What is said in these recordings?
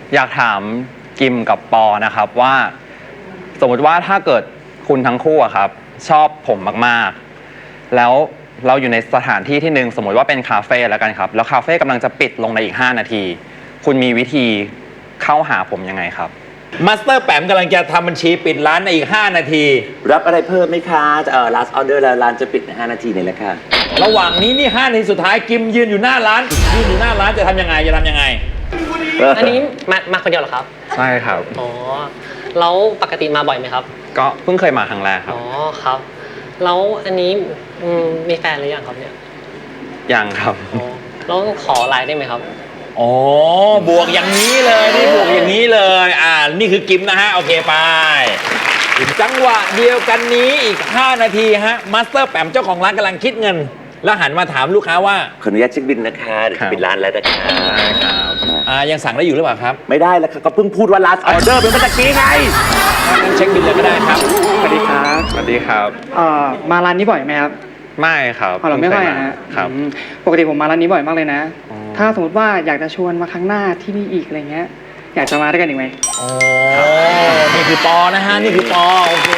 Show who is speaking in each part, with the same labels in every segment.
Speaker 1: อยากถามกิมกับปอนะครับว่าสมมติว่าถ้าเกิดคุณทั้งคู่อะครับชอบผมมากๆแล้วเราอยู่ในสถานที่ที่หนึ่งสมมติว่าเป็นคาเฟ่แล้วกันครับแล้วคาเฟ่กำลังจะปิดลงในอีก5 นาทีคุณมีวิธีเข้าหาผมยังไงครับ
Speaker 2: มาสเตอร์แปมกำลังจะทำบัญชีปิดร้านในอีก5 นาที
Speaker 3: รับอะไรเพิ่มไหมคะlast order แล้วร้านจะปิดใน5 นาทีนี่แหละค่ะ
Speaker 2: ระหว่างนี้นี่5 นาทีสุดท้ายกิมยืนอยู่หน้าร้านจะทำยังไง
Speaker 4: อันนี้มาคนเดียวเหรอครับ
Speaker 1: ใช่ครับ
Speaker 4: อ๋อแล้วปกติมาบ่อยไหมครับ
Speaker 1: ก็เพิ่งเคยมาครั้งแรกครับ
Speaker 4: อ๋อครับแล้วอันนี้มีแฟนหรือยังครับเนี่ย
Speaker 1: ยังครับ
Speaker 4: อ๋อแล้วขอไลน์ได้ไหมครับ
Speaker 2: อ๋อบวกอย่างนี้เลยนี่บวกอย่างนี้เลยนี่คือกิมนะฮะโอเคไปจังหวะเดียวกันนี้อีก5 นาทีฮะมาสเตอร์แปมเจ้าของร้านกำลังคิดเงินแล้วหันมาถามลูกค้าว่า
Speaker 3: ขออนุญาตเช็คบิลนะคะเดี๋ยวจะปิดร้านแล้วนะคะ
Speaker 2: ยังสั่งได้อยู่หรือเปล่าครับ
Speaker 3: ไม่ได้แล้วค่ะก็เพิ่งพูดว่า last order เป็นเมื่อกี้ไง
Speaker 2: งั้นเช็คบิลเลยก็ได้ครับ
Speaker 5: สวัสดีครับ
Speaker 1: สวัสดีครับ
Speaker 5: มาร้านนี้บ่อยไหมครับ
Speaker 1: ไม่ครับ
Speaker 5: เราไม่ค่อยนะครับปกติผมมาร้านนี้บ่อยมากเลยนะถ้าสมมติว่าอยากจะชวนมาครั้งหน้าที่นี่อีกอะไรเงี้ยอยากจะมาด้วยกันอีกไหม
Speaker 2: อ๋อนี่คือปอนะฮะนี่คือปอโอเค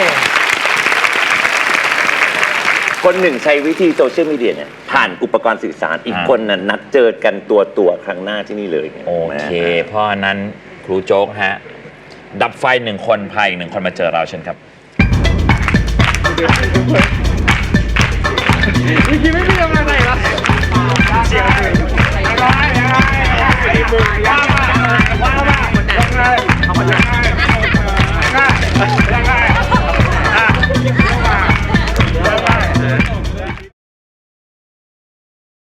Speaker 3: คนหนึ่งใช้วิธีโซเชียลมีเดียเนี่ยผ่านอุปกรณ์สื่อสารอีกคนนั้นนัดเจอกันตัวครั้งหน้าที่นี่เลย
Speaker 2: โอเคเพราะนั้นครูโจ๊กฮะดับไฟ1 คนพาอีก1 คนมาเจอเราเช่นครับ
Speaker 5: ไม่มีอะไรหรอเสียง